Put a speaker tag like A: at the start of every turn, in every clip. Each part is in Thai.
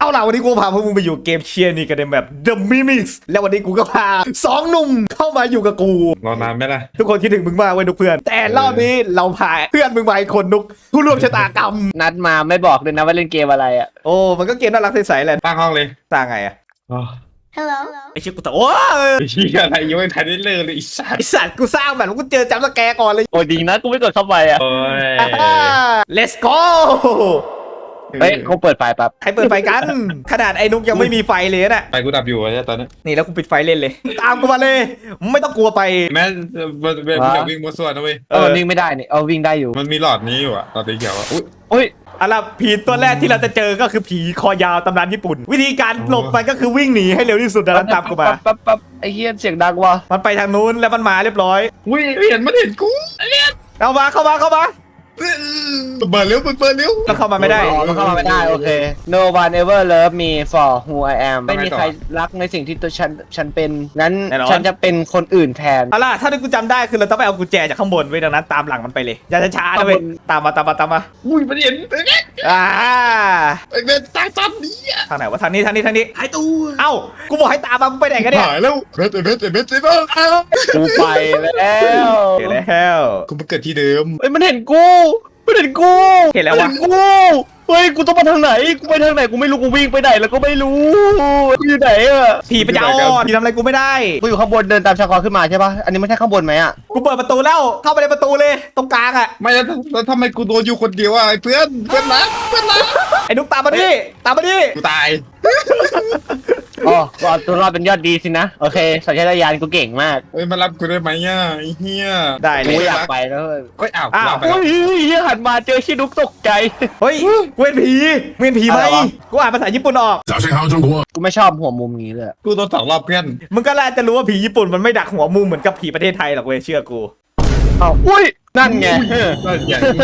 A: เอาล่ะวันนี้กูพาพวกมึงไปอยู่เกมเชียร์นี่กันในแบบ The Mimics แล้ววันนี้กูก็พา2 หนุ่มเข้ามาอยู่กับกู
B: รอนานไหมล่ะ
A: ทุกคนคิดถึงมึงมากเว้ยทุกเพื่อนแต่รอบนี้เราพาเพื่อนมึงมาอีกคนนุกผู้ร่วมชะตากรรม
C: นัดมาไม่บอกเลยนะว่าเล่นเกมอะไรอ่ะ
A: โอ้มันก็เกมน่ารักใสๆแหละ
B: ตั้งห้องเลย
A: ต่างไงอะ
D: Hello
A: ไอชิกูแต่โอ้ย
B: ไอ้เหี้ยอะไรยังไม่ทันได้เลิกเลยไอ้สั
A: ไอ
B: ส
A: สัตว์กูสร้างแบบกูเจอจัมป์สแกร์ก่อนเลย
C: โอ้ยดีนะกูไม่กดเข้าไปอ่ะ
B: โอ้ย
A: Let's go
C: เฮ้ยเขาเปิดไฟแป๊บ
A: ใครเปิดไฟกัน ขนาดไอ้นุกยังไม่มีไฟเลยน่ะ
B: ไปกูดับอยู่อะตอนนี้
A: นี่แล้วกูปิดไฟเล่นเลย ตามกูมาเลยไม่ต้องกลัวไป
B: แม้มันจะวิ่งมัวส่วนนะเว้ย
C: มันวิ่งไม่ได้นี่เอาวิ่งได้อยู่
B: มันมีหลอดนี้อยู่อะหลอดสีเขียวอะอุ้ย
C: โอ้ย
A: อะไรผีตัวแรกที่เราจะเจอก็คือผีคอยาวตำนานญี่ปุ่น วิธีการหลบมันก็คือวิ่งหนีให้เร็วที่สุดนะตามกูมา
C: ปั๊บไอ้เฮียเสียงดังว่ะ
A: มันไปทางนู้นแล้วมันมาเรียบร้อย
B: อุ้ยเห็นกู
A: เข้ามาเข้ามา
B: เปิดเร็ว
A: แล้วเข้ามาไม่ได้
C: อ๋อมันเข้ามาไม่ได้โอเค No one ever love me for who I am ไม่มีใครรักในสิ่งที่ตัวฉันเป็นงั้นฉันจะเป็นคนอื่นแทน
A: เอาล่ะถ้าที่กูจำได้คือเราต้องไปเอากุญแจจากข้างบนไว้ดังนั้นตามหลังมันไปเลยอย่าช้าๆนะเว้ยตามมา
B: อุ้ยมันเห็น
A: อ่า
B: ไอ้เบนตายตามนี้อะ
A: ทางไหนวะทางนี้
B: หายตัว
A: เอ้ากูบอกให้ตามมามึงไปไหนกันเนี่ย
B: หายแล้วเบน
C: กูไปแล้ว
A: เดี๋ยวแล้ว
B: กูมาเกิดที่เดิม
C: เฮ้ยมันเห็นกูเห็นแล้ววะกูเฮ้ยกูต้องมาทางไหนกูไปทางไหนกูไม่รู้กูวิ่งไปไหนแล้วก็ไม่รู้กูอยู่ไหนอะ
A: ผีปัญญาอ่อนผีทำอะไรกูไม่ได้
C: กูอยู่ข้างบนเดินตามชาคอขึ้นมาใช่ปะอันนี้ไม่ใช่ข้างบนไหมอะ
A: กูเปิดประตูแล้วเข้าไปในประตูเลยตรงกลางอ่ะ
B: ไม่แล้วทำไมกูโดนอยู่คนเดียวอะไอ้เพื่อนรัก
A: ไอ้นุ๊กตามมาดิ
B: กูตาย
C: อ๋อก็เอาตัวรอดเป็นยอดดีสินะโอเคสัญชาตญาณกูเก่งมาก
B: เฮ้ยมารับกูได้ไหมอ่ะไอ้เหี้ย
A: ได้เล
C: กู
A: ย
C: อยากไปแล้ว
B: เฮ้ยอ้าว
A: อ้าว
B: วางไป
C: โอ้
B: แล้ว
C: ยเฮียหันมาเจอชินุกตกใจ
A: เฮ้ยกูเป็นผีมึงเป็นผีไหม
C: อะไรวะ
A: กูอ่านภาษาญี่ปุ่นออก
E: 早先好中国。
C: กูไม่ชอบหัวมุมนี้เลย
B: กูโดน2 รอบเพื่อน
A: มึงก็น่าจะรู้ว่าผีญี่ปุ่นมันไม่ดักหัวมุมเหมือนกับผีประเทศไทยหรอกเว้ยเชื่อกู
C: อ้าวอุ้ยนั่นไง
B: ก็อย่างนี้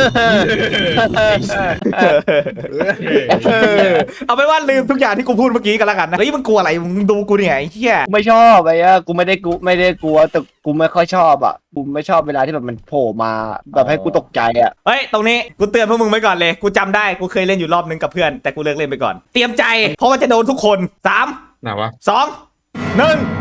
A: เอาไปนว่าลืมทุกอย่างที่กูพูดเมื่อกี้กันแล้วกันนะเฮ้ยมึงกลัวอะไรมึงดูกูเนี่ยไอ้เหี้ย
C: กูไม่ชอบไอ้อะกูไม่ได้กลัวแต่กูไม่ค่อยชอบอ่ะกูไม่ชอบเวลาที่แบบมันโผล่มาแบบให้กูตกใจอ่ะ
A: เฮ้ยตรงนี้กูเตือนพวกมึงไว้ก่อนเลยกูจำได้กูเคยเล่นอยู่รอบนึงกับเพื่อนแต่กูเลิกเล่นไปก่อนเตรียมใจเพราะว่าจะโดนทุกคน3
B: ไหนวะ
A: 2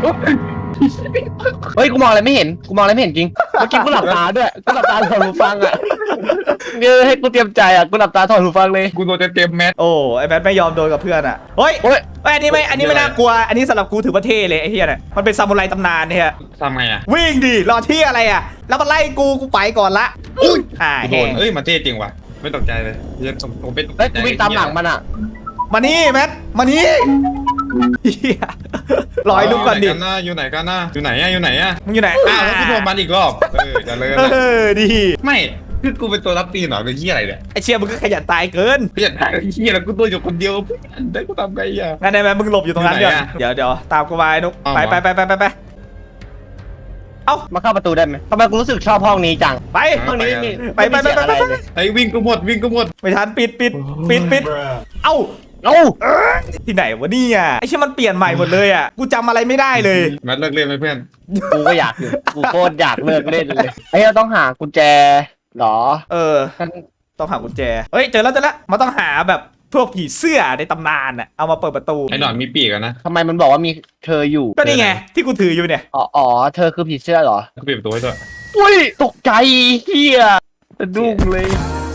C: เฮ้ยกูมองอะไรไม่เห็นจริงเมื่อกี้กูหลับตาด้วยกูหลับตาถอดหูฟังอ่ะเนี่ยให้กูเตรียมใจอ่ะกูหลับตาถอดหูฟังเลย
B: กูโดนเต็มแมส
A: 1โอ้ไอ้แบทไม่ยอมโดนกับเพื่อนอ่ะเฮ้ย
C: โอ้ย
A: อันนี้ไม่น่ากลัวอันนี้สำหรับกูถือว่าเท่เลยไอ้เหี้ยเนี่ยมันเป็นซามูไรตำนานเนี่ย
B: ทำไงอ่ะ
A: วิ่งดิรอที่อะไรอ่ะแล้วมันไล่กูไปก่อนละ
B: กูโด
A: แห้
B: น
A: ง
B: เอ้ยมาเท่จริงว่ะไม่ตกใจเลยผมเป็น
C: เฮ้ยกูวิ่งตามหลังมันอ่ะ
A: มานี่แมทมานี่เหี้ยรอให้ลุกก่อนดิ
B: อยู่ไหนกันนะอยู่ไหนอ่ะ
A: มึงอยู่ไหน
B: อ้าวแล้วกูโดนมันอีกรอบจะเลย
A: ดี
B: ไม่คือกูเป็นตัวรับตีนเหรอเป็นที่อะไรเนี่ย
A: ไอเชียมึงก็ขยันตายเกิน
B: เพื่อนไอ้เหี้ยแล้วกูตัวอยู่คนเดียวเพื่อนได้กูทำไงอ่ะ
A: งั้นได้ไหมมึงหลบอยู่ตรงนั้น
B: อยู่
A: เดี๋ยว
B: ไหนอะ
A: เดี๋ยวตามกูมาไอ้นุก
B: เอา
A: ไป
B: วะ
A: เอ้า
C: มาเข้าประตูได้ไหมทำไมกูรู้สึกชอบห้องนี้จัง
A: ไป
C: ห้องนี้ไม่มี
A: ไป
C: ไม่มีเสียงอะไรเลย
B: ไอ้วิ่งกูหมด
A: ไม่ทันปิดเอ้า
C: เอ้า
A: ที่ไหนวะเนี่ยไอเชี่ยมันเปลี่ยนใหม่หมดเลยอ่ะกูจำอะไรไม่ได้เลย
B: แมทเลิกเล่นไหมเพื่อน
C: กูก็อยากอยู่กูโคตรอยากเลิกเล่นเลยไอ้เราต้องหากุญแจเหรอ
A: เออ ต้องหากุญแจเฮ้ยเจอแล้วมันต้องหาแบบพวกผีเสื้อในตำนานอ่ะเอามาเปิดประตู
B: ไอ้หนอนมีปีกอะนะ
C: ทำไมมันบอกว่ามีเธออยู่
A: ก็นี่ไงที่กูถืออยู่เนี่ย
C: อ๋อเธอคือผีเสื้อเหรอ
B: กูปิดประตูให้ด้วย
C: อุ้ยตกใจเฮียสะดุ้งเลย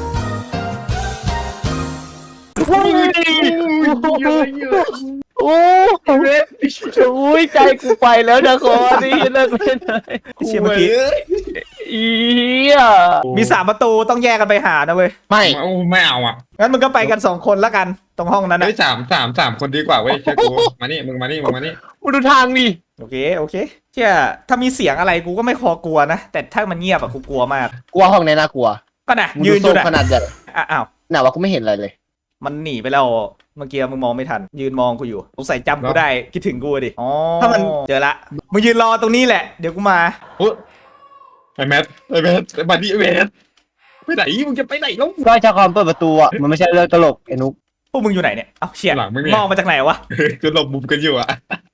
C: โอ้ยใจกูไปแล้วนะคอนี่เลิกเล่นเลย
A: ไอเชี่ยเมื่อกี้
C: อีเหี้ย
A: มี3 ประตูต้องแยกกันไปหานะเว้ย
C: ไม่
B: ไม่เอาอ่ะ
A: งั้นมึงก็ไปกัน2 คนแล้วกันตรงห้องนั้นนะ
B: เฮ้ยสามคนดีกว่าเว้ยเชื่อกูมานี่มึงมานี่
C: มึงดูทางดิ
A: โอเคเชี่ยถ้ามีเสียงอะไรกูก็ไม่คอกลัวนะแต่ถ้ามันเงียบอะกูกลัวมาก
C: กลัวห้องนี้น่ากลัว
A: ก็นะ
C: มึง
A: ยื
C: ดู
A: นอ
C: ส้
A: ยู่
C: ม
A: นะ
C: ขนาดใหญ่
A: อ้าว
C: ไหนวะกูไม่เห็นอะไรเลย
A: มันหนีไปแล้วเมื่อกี้มึงมองไม่ทัน ยืนมองกูอยู่สงสัยจำกูได้คิดถึงกูดิอ๋อ
C: ถ้ามัน
A: เจอละมึงยืนรอตรงนี้แหละเดี๋ยวกูมา
B: โอ้ไอ้แมทมาดิไอ้แมทไปไหนมึงจะไปไหนแล้ว
C: ก็ชาคอมเปิดประตูอ่ะมันไม่ใช่เรื่องตลกไอ้นุ๊ก
A: พวกมึงอยู่ไหนเนี่ยเอ้าเชี่ย
B: หลังไม่มี
A: มองมาจากไหนวะ
B: คือหลบมุมกันอยู่อ่ะ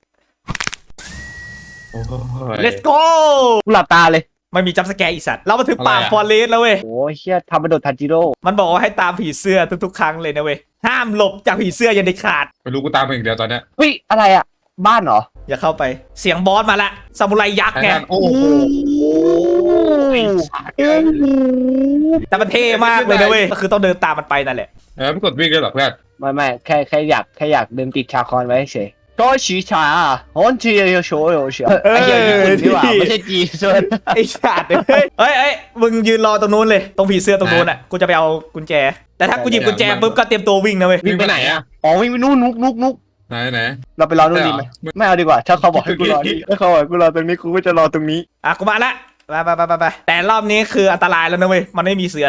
A: let's go
C: กูหลับตาเลย
A: ไม่มีจัมป์สแกร์อีสัตว์เรามาถึงป่า
B: อะไรอะ
A: ฟอเรสต์แล้วเว้ย
C: โอ้ยเชี่ยทำมาโดดทันจิโร่
A: มันบอกว่าให้ตามผีเสื้อทุกๆครั้งเลยนะเว้ยห้ามหลบจากผีเสื้ออย่าเด็ดขาด
B: ไม่รู้กูตามไปอย่างเดียวตอนเนี้ย
C: เฮ้ยอะไรอ่ะบ้านเหรอ
A: อย่าเข้าไปเสียงบอสมาละซามูไรยักษ์ไง
B: โอ้โห
A: แต่มันเท่มากเลยนะเว้ยก็คือต้องเดินตามมันไปนั่นแหละ
B: ไม่กดวิ่งเลยหรอเพื่อน
C: ไม่แค่อยากเดินติดชาคอนไว้เฉยก็ชีชาฮอนทีเดียวโชว์เฉยไอ้เหี้ยญี่ปุ่นดีกว่าไม่ใช่จีนส่วน
A: ไอ้ชาติเฮ้ยมึงยืนรอตรงนู้นเลยตรงผีเสื้อตรงนู้นอ่ะกูจะไปเอากุญแจแต่ถ้ากูหยิบกุญแจปุ๊บก็เตรียมตัววิ่งนะเว้ย
C: วิ่งไปไหนอ่ะอ๋อวิ่งไปนู่นนุก
B: ไหน
C: เราไปรอนู่นดีไหมไม่เอาดีกว่าถ้าเขาบอกให้กูรอนี่ถ้าเขาบอกให้กูรอตรงนี้กูก็จะรอตรงนี้
A: อ่ะกูมาละไปแต่รอบนี้คืออันตรายแล้วนะเว้ยมันไม่มีเสือ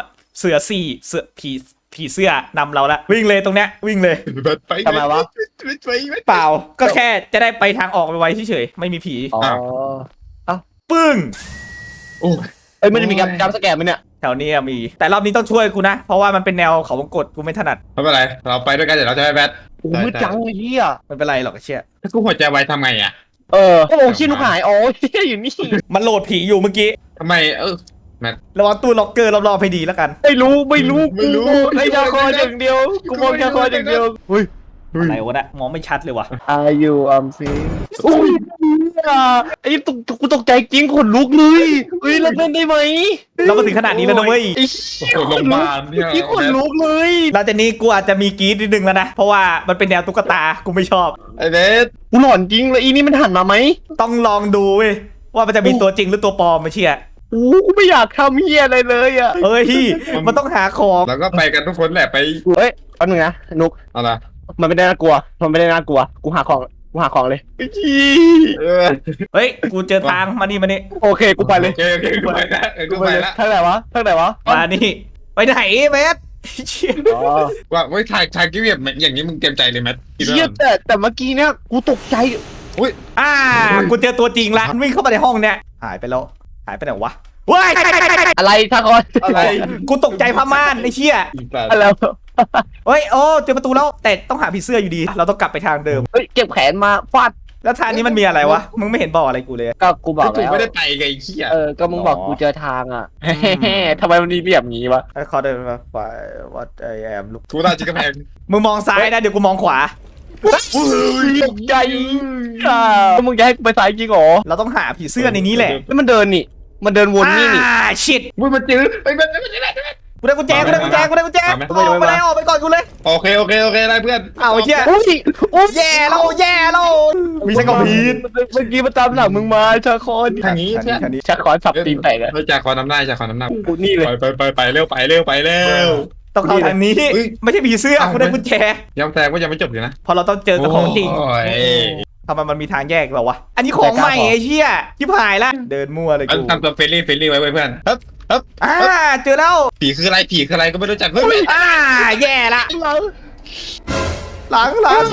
A: ผีเสื้อนำเราละวิ่งเลยตรงเนี้ยวิ่งเลย
B: ไป
C: ทำไมวะ
A: เปล่าก็แค่จะได้ไปทางออกไปไว้เฉยๆไม่มีผี
C: อ๋อ
A: ปึ้ง
B: โอ้
C: เอ้ยมันจะมีการสแกนไหมเนี่ย
A: แถวนี้มี แต่รอบนี้ต้องช่วยกูนะ เพราะว่ามันเป็นแนวเขาวงกตกูไม่ถนัด
B: ไม่เป็นไรเราไปด้วยกันเดี๋ยวเราจะไปแบท
C: โอ้มืดจังเลยเฮีย
A: ไม่เป็นไรหรอกไอ้เชี่ย
B: ถ้ากูหัวใจไวทำไงอ่ะ
C: โอ้ขี้ลูกหายเฮียอยู่นี่
A: มันโหลดผีอยู่เมื่อกี้
B: ทำไม
A: ระวังตู้ล็อกเกอร์รอบๆให้ดีแล้วกัน
C: ไม่รู้ไอ้ชาคอนอย่างเดียวกูมองชาคอนอย่างเดียวเฮ้ย
A: อะไรวะนะมองไม่ชัดเลยว่ะ
C: Are you free อุ้ยไอ้กูตกใจจริงขนลุกเลยเฮ้ยเราเล่นได้ไหม
A: เรามาถึงขนาดนี้แล้วนะเว้ย
C: ไอ้
B: โอ้โหโรงพยาบาลเนี่ย
C: ที่ขนลุกเลย
A: หลังจากนี้กูอาจจะมีกรี๊ดนิดนึงแล้วนะ เพราะว่ามันเป็นแนวตุ๊กตา กูไม่ชอบ
B: ไอ้เบส
C: กูหลอนจริงเลยอีนี่มันหันมาไหม
A: ต้องลองดูเว้ยว่ามันจะมีตัวจริงหรือตัวปลอมไม่เชี่ย
C: กูไม่อยากทำเฮียอะไรเลยอ่ะ
A: เฮ้ยมันต้องหาของ
B: แล้วก็ไปกันทุกคนแหละไป
C: เฮ้ยเอาหนึ่งนะนุก
B: อะไร
C: มันไม่ได้น่ากลัวกูหาของเลย
A: เฮ้ยกูเจอทางมานี่
C: โอเคกูไปเลย
B: โอเคกูไปแล้วกูไปแล้ว
C: ทางไหนวะ
A: มานี่ไปไหนเมสเชี่ย
C: อ๋อ
B: ว่าไว้ถ่ายกิ๊บอย่างนี้มึงเตรียมใจเลยแมท
C: เฮียแต่เมื่อกี้เนี่ยกูตกใจ
A: กูเจอตัวจริงละมันวิ่งเข้ามาในห้องเนี่ยหายไปไหนวะเว้ย
C: อะไรทางคอน
B: อะไร
A: กูตกใจพม่านไอ้เชี่ย
C: อะไร
A: เฮ้ยโอ้เจอประตูแล้วแต่ต้องหาผีเสื้ออยู่ดี เราต้องกลับไปทางเดิม
C: เฮ้ยเก็บแขนมาฟาด
A: แล้วทางนี้มันมีอะไรวะมึงไม่เห็นบอกอะไรกูเลย
C: ก็กูบอก
B: กู
C: แล้ว
B: ไม่ได้ไปไงขี้อ่ะ
C: ก็มึงบอกกูเจอทางอ่ะทำไมมันมีเรียบงี้วะ
A: ไอ้เขาเดินมาไปวัดไอแอมลูก
B: กูน่าจะกระแพง
A: มึงมองซ้ายนะเดี๋ยวกูมองขวา
C: ตกใจมึงจะให้กูไปสายจริงเหรอ
A: เราต้องหาผีเสื้อในนี้แหละ
C: แล้วมันเดินนี่ มันเดินวนนี่นี่
A: ชิด
B: มึงมาจื้อไปแบท
A: กูได้กุญแจออกไปก่อนกูเลย
B: โอเคได้เพื่อน
A: เอาไอ้เชี่ย
C: อุ้ย
A: แย่แล้วมีชักกระพีด
C: เมื่อกี้มันตามหลังมึงมาชาคอน
B: ทางนี้เพื่อน
C: ชาคอนสับตีนแตกอะ
B: เราจากคอน้ำหน้าจากคอน้ำหน้า
C: กูนี่เลย
B: ไปเร็วไปเร็ว
A: ต้องเข้าทางนี้ไม่ใช่ผีเสื้อกูได้กุญแจ
B: ยังแสดงว่ายังไม่จบอยู่นะ
A: พอเราต้องเจอกับของจริง
B: โอ้ย
A: ทำไมมันมีทางแยกเหรอวะ อันนี้ของใหม่ไอ้เชี่ยชิบหายละเดินมั่วเลยกู
B: ทำตัวเฟรนลี่ไว้เพื่อนครับ
A: เจอแล้ว
B: ผีคืออะไรก็ไม่รู้จักเฮ้ย
A: แย่ละหลัง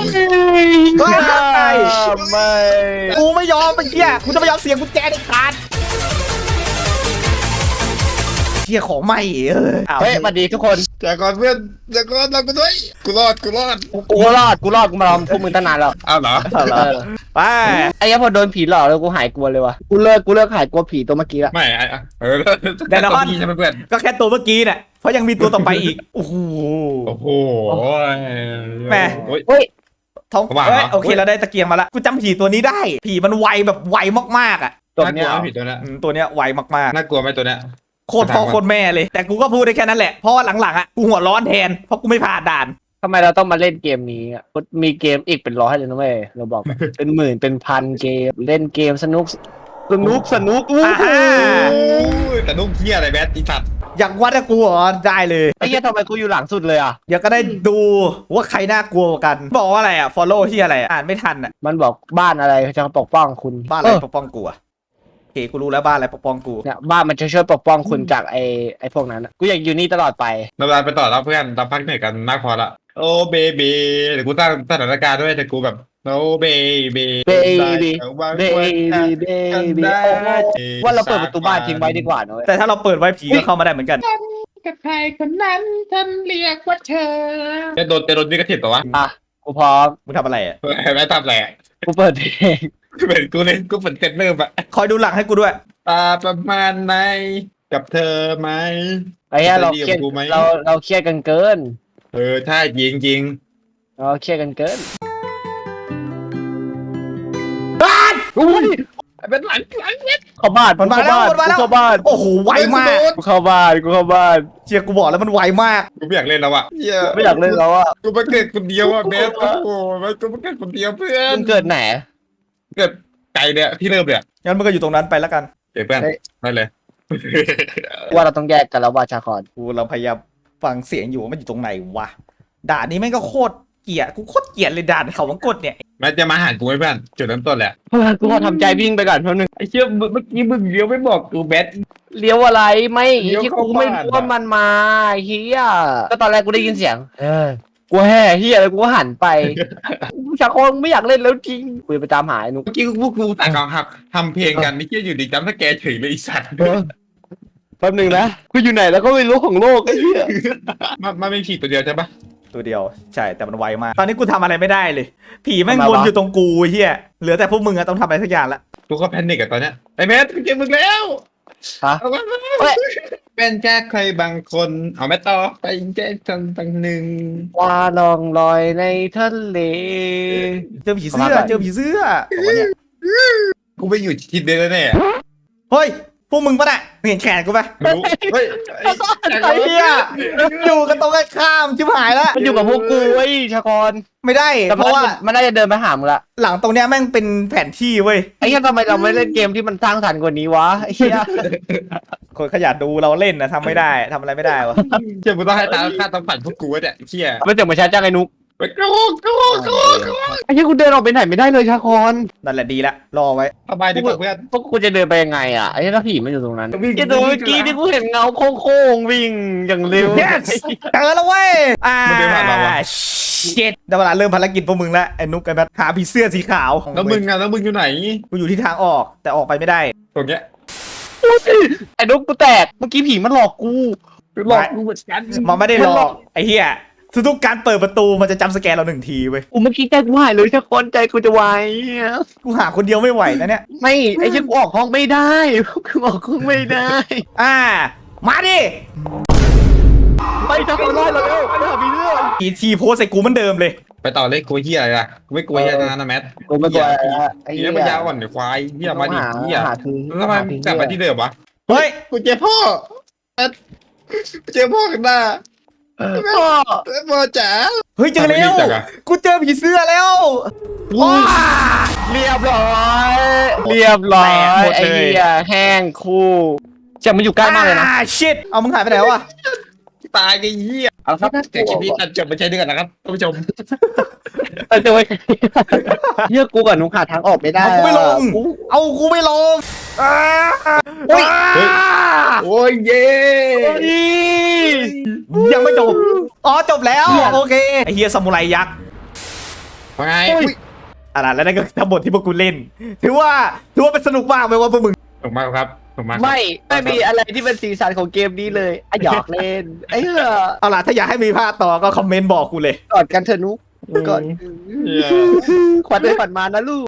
C: ไม่
A: กูไม่ยอมไปเชี่ยกูจะไม่ยอมเสียงกุญแจเด็ดขาดเชี่ยของใหม่
C: เฮ้ยสวัสดีทุกคน
B: จากก่อนเพื่อนจากก่อนเราไปด้วยกูรอด
C: กูรอดกูมาลองพวกมึงตั้งนานแล้ว
B: อ้าวเหรอ
A: ไป
C: ไอ้ยังพอโดนผีหลอกแล้วกูหายกลัวเลยวะกูเลิกหายกลัวผีตัวเมื่อกี้ละ
B: ไม่แต่นอนใช่ไหมเพื่อน
A: ก็แค่ตัวเมื่อกี้น่ะเพราะยังมีตัวต่อไปอีกโอ้โห
B: โอ้โห
A: แม่
C: เฮ้ย
A: ท้องโอเคเราได้ตะเกียงมาละกูจำผีตัวนี้ได้ ผีมันไวแบบไวมากๆอ่ะ
C: ตัว
B: น่าก
C: เนี้
B: ลั
C: ยว
B: ผิดตัวนี้
A: ตัวเนี้ยไวมาก
B: น่ากลัวไหมตัวเนี้ย
A: ๆโคตรพ่อโคตรแม่เลย แต่กูก็พูดได้แค่นั้นแหละเพราะว่าหลังๆอ่ะกูหัวร้อนแทนเพราะกูไม่ผ่านด่าน
C: ทำไมเราต้องมาเล่นเกมนี้อ่ะมีเกมอีกเป็นร้อยเลยนะเว้ยเราบอกเป็นหมื่นเป็นพันเกมเล่นเกมสนุก
B: แต่นุ่มเที่ยอะไรแบทอีสัตว์
A: อยากวัดกับกูเหรอได้เลย
C: ไอ้เหี้ยทำไมกูอยู่หลังสุดเลยอ่ะ
A: เดี๋ยวก็ได้ดูว่าใครน่ากลัวกว่ากัน บอกว่าอะไรอ่ะ follow ที่อะไรอ่านไม่ทันอ่ะ
C: มันบอกบ้านอะไรจะปกป้องคุณ
A: บ้านอะไรปกป้องกูอ่ะโอเคกูรู้แล้วบ้านอะไรปกป้องกู
C: เนี่ยบ้านมันจะช่วยปกป้องคุณจากไอ้พวกนั้นกูอยากอยู่นี่ตลอดไป
B: เราไปต่อแล้วเพื่อนตามพักเหนื่อยกันมากพอละโอ้เบบีเดี๋ยวกูตั้งสถานการณ์ด้วยแต่กูแบบโอ้เบบี
C: ว่าเราเปิดประตูบ้านทิ้งไว้ดีกว่าเนอะ
A: แต่ถ้าเราเปิดไว้ผีก็เข้ามาได้เหมือนกัน
B: กับใครคนนั้นฉันเรียกว่าเธอจะโดนนี่กระถิ่นตัววะ
C: อ่ะกูพร้อม
A: มึงทำอะไรอ่ะ
B: แม่ทำแหละ
C: กูเปิดเพลง
B: เป็นกูเลยกูเป็นเซนเนอร์อะ
A: คอยดูหลังให้กูด้วย
B: ประมาณไหนกับเธอไหม
C: ไอ้เหี้ยเราเครียดกันเกิน
B: ใช่จริงจริง
C: เครียดกันเกิน
B: อุ้ยเป็นหลัง
C: เข้าบ้าน
A: มันมาแล้วมันมาแล้ว
C: เข้าบ้าน
A: โอ้โหไวมาก
C: กูเข้าบ้าน
A: เชียร์กูบอกแล้วมันไวมาก
B: กูไม่อยากเล่นแล้วอ่ะเหี้ย
C: ไม่อยากเล่นแล้วอ่ะ
B: กูมาเกิดคนเดียวอ่ะแม่โอ้โหกูมาเกิดคนเดียวเพื่อน
C: มึงเกิดไหน
B: เกิดไกลเนี่ยที่เริ่มเนี่ย
A: งั้นมันก็อยู่ตรงนั้นไปแล้วกัน
B: เดี๋ยวเพื่อน
C: เฮ้ย
B: ได้เลย
C: ว่าเราต้องแยกกันแล้วว่าชาคอน
A: กูเราพยายามฟังเสียงอยู่ว่ามันอยู่ตรงไหนวะด่านนี้แม่งก็โคตรเกลียดกูโคตรเกลียดเลยด่านเขาวังกดเนี่ย
B: แม่จะมาหากูไหมเพื่อนจุดเริ่มต้นแหละ
C: กูขอทำใจวิ่งไปก่อนแป๊บนึง
B: ไอ้เชี่ยเมื่อกี้มึงเลี้ยวไม่บอกกูแบท
C: เลี้ยวอะไรไม่
B: เลี้ยว
C: ที่
B: เข้า
C: กูไม่
B: บ้าน
C: รู้ว่ามันมาเฮียก็ตอนแรกกูได้ยินเสียงกูแห่เฮียแล้วกูก็หันไปชาคอนไม่อยากเล่นแล้วจริงกูไปตามหาไอ้นุ๊ก
B: เมื่อกี้พวกกูต่างกันครับทำเพลงกันไม่เชี่ยอยู่ดีจำสแกร์เฉยเลยไอ้สัตว์
C: แป๊บนึงนะกูอยู่ไหนแล้วก็ไม่รู้ของโลกไอ้เหี้ย
B: มันไม่ผีตัวเดียวใช่ปะ
A: ตัวเดียวใช่แต่มันไวมาก ตอนนี้กูทำอะไรไม่ได้เลย ผีแม่งวนอยู่ตรงกูเฮียเหลือแต่พวกมึงอะต้องทำอะไรสักอย่างละ
B: กูก็แพนิคกับตอนเนี้ยไอ้แมทเจอมึงแล้ว
C: ฮะ
B: เอามาเป็นแค่ใครบางคนเอาแม่ต่อไปแค่คนบางหนึ่ง
C: ว่าลองลอยในทะเล
A: เจอผีเสื้อเจอผีเสื้อบอกว่าเนี่ย
B: กูไปอยู่ทิศเดียวแน่
A: เฮ้ยพวกมึงปะน่ะมึงเห็นแขนกูปะ
B: ๆรู้เฮ้ย
A: ไอ้เหี้ยอยู่กันตรงกันข้ามชิบหายละ
C: มันอยู่กับพวกกูไอ้ชากร
A: ไม่ได้
C: แต่
A: เพราะว่า
C: มันน่าจะเดินไปหามึงละ
A: หลังตรงเนี้ยแม่งเป็นแผนที่เว้ย
C: ไอ้เหี้ยทำไมเราไม่เล่นเกมที่มันสร้างสรรค์กว่านี้วะไอ้เหี้ย
A: คนขยันดูเราเล่นนะทำไม่ได้ทำอะไรไม่ได้วะ
B: เชี่ยมึงต้องให้ตาค่าต้องปั่นพวกกูวะเนี่ยเชี่ย
C: ไม่เจอมาช้าจังไอ้นุ๊ก
B: ไปโกโก้
C: ไอ้เหี้ยกูเดินออกไปไหนไม่ได้เลยชากร
A: นั่นแหละดีละรอไว้
B: สบายดีกว่าเพื่อน
C: พวกกูจะเดินไปยังไงอ่ะไอ้เหี้ยถ้าผีมันอยู่ตรงนั้น
B: วิ่ง
C: ไอ้ตัวเมื่อกี้ที่กูเห็นเงาโค้งๆวิ่งอย่างเร็ว
A: yes เจอแล้วเว้ยเจ็ดได้เวลาเริ่มภารกิจพวกมึงแล้วไอ้นุ๊กไอ้แบทหาผีเสื้อสีขาว
B: แล้วมึงอะแล้วมึงอยู่ไหน
A: กูอยู่ที่ทางออกแต่ออกไปไม่ได้
B: ตรงเนี้ย
C: ไอ้นุ๊กกูแตกเมื่อกี้ผีมันหลอกกู
B: หลอกกูเหมือนกัน
A: มันไม่ได้หลอกไอ้เหี้ยทุกๆการเปิดประตูมันจะจำสแกนเราหนึ่งทีเว้ย
C: กูเมื่อกี้ใจกูหายเลยชากรใจกูจะวาย
A: กูหาคนเดียวไม่ไหวนะเนี่ย
C: ไม่ไอ้เชี่ยกูออกห้องไม่ได้กูออกห้องไม่ได้
A: มาดิ
C: ไปชากรไล่เราเร็วไปหาผีเรื่อง
A: อีทีโพสใส่กูเหมือนเดิมเลย
B: ไปต่อเลยกูเฮียอะไรล่ะกูไม่กลัวเฮียนะแมท
C: กูไม่กลัวไอ้
B: เฮี
C: เหี้
B: ย
C: ย
B: มันยาวก่อนเดี๋ยวควายเฮียมาดิเฮีย
C: หาคือ
B: แล้วทำไมกลับมาที่เดิมวะ
A: เฮ้ย
B: กูเจอพ่อแมทกูเจอพ่อกันหน้า
C: พ่อ
B: พ่อจ๋า
A: เฮ้ยเจอแล้ว
B: ทำไมรีบจังอะ
A: กูเจอผีเสื้อแล้วว้า
C: เรียบร้อยเรียบร้อย
A: แตกหมด
C: ไอ้
A: เลย
C: เหี้ยแห้งคู่จะมันอยู่ใกล้มากเลยนะ
A: ชิตเอามึงหายไปไหนวะ
B: ตายไอ้เฮียเอาละครับแต่คลิปนี้ตัดจบไปใช้ด้วยกันนะครับท่านผู้ชม
C: เจอไว้เหี้ยกูกับนุ๊กหาทางออกไม่ได้
A: เอากูไม่ลง
C: กู
A: เอากูไม่ลงโอ้ย
B: โอ้ยเย่
A: ยังไม่จบอ๋อจบแล้วโอเคไอเฮียซามูไรยักษ์
B: ว่าไง
A: อะไรแล้วนั่นก็ทั้งหมดที่พวกกูเล่นถือว่าเป็นสนุกมากไหมว่าพวกมึง
B: ถูกมากครับถูกมาก
C: ไม่มีอะไรที่เป็นสีสันของเกมนี้เลยอ่ะหยอกเล่นไอ้เหี้ย
A: เอาล่ะถ้าอยากให้มีภาคต่อก็คอมเมนต์บอกกูเลย
C: กอดกันเถอะนุ๊กกอดขวัญเลยขวัญมานะลูก